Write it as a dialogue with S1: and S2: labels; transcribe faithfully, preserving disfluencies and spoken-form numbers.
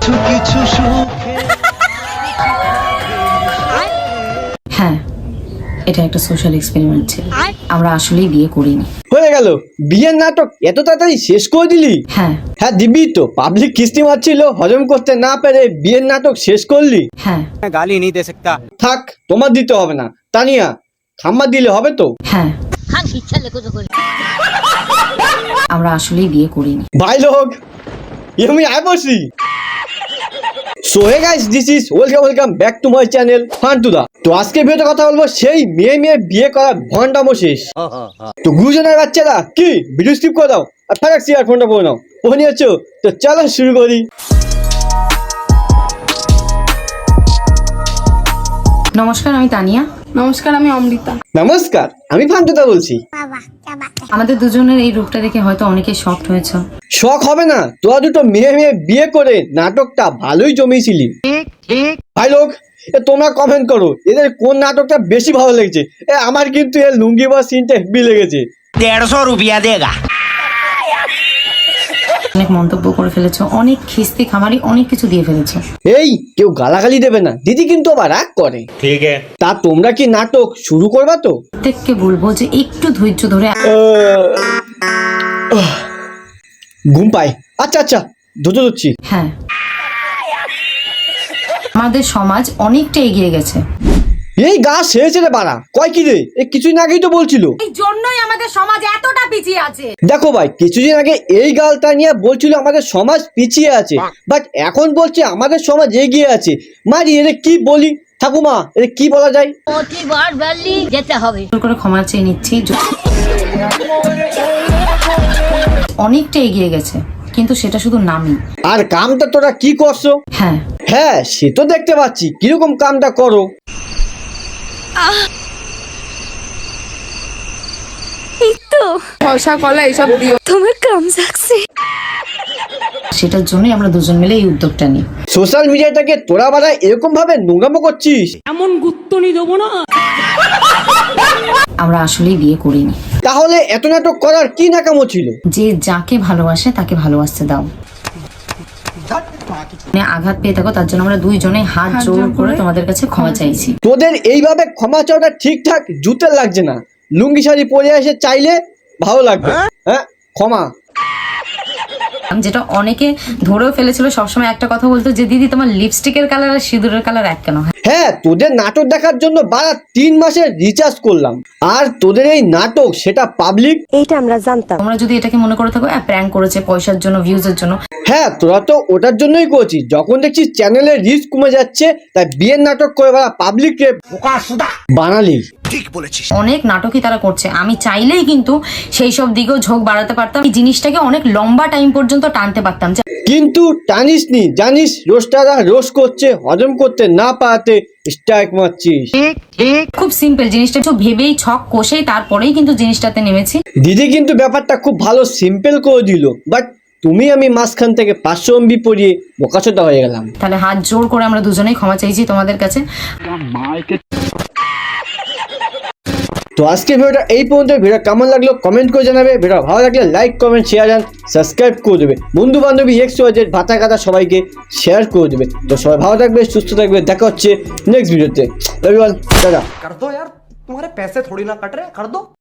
S1: কিছু কিছু সুখে
S2: হ্যাঁ, এটা একটা সোশ্যাল এক্সপেরিমেন্ট ছিল। আমরা আসলেই বিয়ে করিনি।
S3: হয়ে গেল বিয়ের নাটক এত তাড়াতাড়ি শেষ করে দিলি?
S2: হ্যাঁ
S3: হ্যাঁ দিবি তো, পাবলিক কিস্তি মারছিল, হজম করতে না পেরে বিয়ের নাটক শেষ করলি।
S2: হ্যাঁ
S4: मैं गाली नहीं दे सकता।
S3: থাক, তোমার দিতে হবে না। তানিয়া, খাম্মা দিলে হবে তো?
S2: হ্যাঁ আমরা আসলেই বিয়ে করিনি।
S3: ভাই লোক আমি আয় বসি। So hey guys, this is welcome welcome back to my channel ফান্টুদা। তো আজকে ভিডিওতে কথা বলবো সেই মেয়ে মেয়ে বিয়ে করার ভন্ডামো শেষ। তো গুরুজনের বাচ্চারা কি ভিডিও স্কিপ করে দাও আর ফারাক সিয়ার ফোনটা পড়ে নাও। ও নিয়েছো তো চলো শুরু করি।
S2: নমস্কার, আমি তানিয়া।
S5: নমস্কার, আমি অমৃতা।
S3: নমস্কার, আমি ফান্টুদা বলছি।
S2: আমাদের দুজনের এই রূপটা দেখে হয়তো অনেকে শকড হয়েছে।
S3: শখ হবে না, তোরা দুটো মেয়ে মেয়ে বিয়ে করে নাটকটা ভালোই জমিয়েছিলি। ভাই লোক এ তোমরা কমেন্ট করো এদের কোন নাটকটা বেশি ভালো লেগেছে। এ আমার কিন্তু এর লুঙ্গি বা সিনটা হেভি লেগেছে।
S4: डेढ़ सौ रुपया देगा।
S2: অনেক মন্তব্য করে ফেলেছো, অনেক খিস্তি খামারি অনেক কিছু দিয়ে ফেলেছো।
S3: এই কেউ গালাগালি দেবে না, দিদি কিন্তু আবার রাগ করে।
S4: ठीक है।
S3: তা তোমরা কি নাটক শুরু করবা তো?
S2: প্রত্যেককে বলবো যে একটু ধৈর্য ধরে।
S3: আহ, ঘুম পাই। আচ্ছা আচ্ছা ধুতো ধুচ্ছি।
S2: হ্যাঁ, আমাদের সমাজ অনেকটা এগিয়ে গেছে।
S3: এই গা শেষে রে বাড়া, কয় কি রে? এ কিছুদিন আগেই তো বলছিল।
S5: এই জন্যই আমাদের সমাজ এতটা পিছিয়ে আছে।
S3: দেখো ভাই, কিছুদিন আগে এই গালটা নিয়ে বলছিল আমাদের সমাজ পিছিয়ে আছে, বাট এখন বলছে আমাদের সমাজ এগিয়ে আছে। মারি এর কি বলি ঠাকুমা, এর কি বলা যায়?
S6: প্রতিবার বললি যেতে হবে।
S2: জোর করে ক্ষমা চেয়ে নিচ্ছি। অনেকটা এগিয়ে গেছে, কিন্তু সেটা শুধু নামই।
S3: আর কামটা তোরা কি করছো?
S2: হ্যাঁ,
S3: হ্যাঁ সে তো দেখতে পাচ্ছি, কিরকম কামটা করো।
S6: এই তো
S5: শসা কলা এসব দিও।
S6: তোমার কাম সাকসে।
S2: সেটার জন্যই আমরা দুজন মিলে এই উদ্যোগটা নিই।
S3: সোশ্যাল মিডিয়াটাকে তোরা বাড়া এরকম ভাবে নোংরামো করছিস।
S2: আমরা আসলেই বিয়ে করিনি।
S3: তাহলে এত নাটক করার কি নাকামো ছিল?
S2: যে যাকে ভালোবাসে তাকে ভালোবাসতে দাও। মানে আঘাত পেয়ে থাকো, তার জন্য আমরা দুইজনে হাত জোর করে তোমাদের কাছে ক্ষমা চাইছি।
S3: তোদের এইভাবে ক্ষমা চাওয়াটা ঠিকঠাক জুতে লাগছে না। লুঙ্গি শাড়ি পরে এসে চাইলে ভালো লাগবে। হ্যাঁ ক্ষমা।
S2: যেটা অনেকে ধরেও ফেলেছিল, সবসময় একটা কথা বলতো যে দিদি তোমার লিপস্টিকের কালার আর সিঁদুরের কালার এক কেন?
S3: হ্যাঁ তোদের নাটক দেখার জন্য বারা তিন মাসের রিচার্জ করলাম, আর তোদের এই নাটক সেটা পাবলিক।
S6: এইটা আমরা জানতাম।
S2: তোমরা যদি এটাকে মনে করে থাকো প্র্যাঙ্ক করেছে পয়সার জন্য, ভিউজের জন্য,
S3: হ্যাঁ তোরা তো ওটার জন্যই করছিস। যখন দেখছিস চ্যানেলের রিচ কমে যাচ্ছে তাই বিয়ের নাটক করে বারা পাবলিক রে বানালি।
S2: অনেক নাটকই তারা করছে। আমি চাইলেই কিন্তু সেই সব দিকেও ঝোঁক বাড়াতে পারতাম, এই জিনিসটাকে অনেক লম্বা টাইম পর্যন্ত টানতে পারতাম।
S3: কিন্তু টানিস নি, জানিস রোস্টাররা রোস্ট করছে, হজম করতে না পারাতে স্ট্রাইক মারছিস।
S2: খুব সিম্পল জিনিসটা, একটু ভেবেই ছক কষেই তারপরেই কিন্তু জিনিসটাতে নেমেছি।
S3: দিদি কিন্তু ব্যাপারটা খুব ভালো সিম্পল করে দিল, বাট তুমি আমি মাঝখান থেকে পাঁচশো এমবি পরিয়ে বোকাচোদা হয়ে গেলাম।
S2: তাহলে হাত জোর করে আমরা দুজনেই ক্ষমা চাইছি তোমাদের কাছে।
S3: তো আজকে ভিডিওটা এই পর্যন্ত। ভিডিও কেমন লাগলো কমেন্ট করে জানাবে। ভিডিও ভালো লাগলে like comment share and subscribe করে দেবে। বন্ধু বান্ধবী এক্স ওয়াই জেড ভাতা কাটা সবাইকে শেয়ার করে দেবে। তো সবাই ভালো থাকবে, সুস্থ থাকবে। দেখা হচ্ছে নেক্সট ভিডিওতে। Everyone tata.
S7: कर दो यार, तुम्हारे पैसे थोड़ी ना कट रहे, कर दो।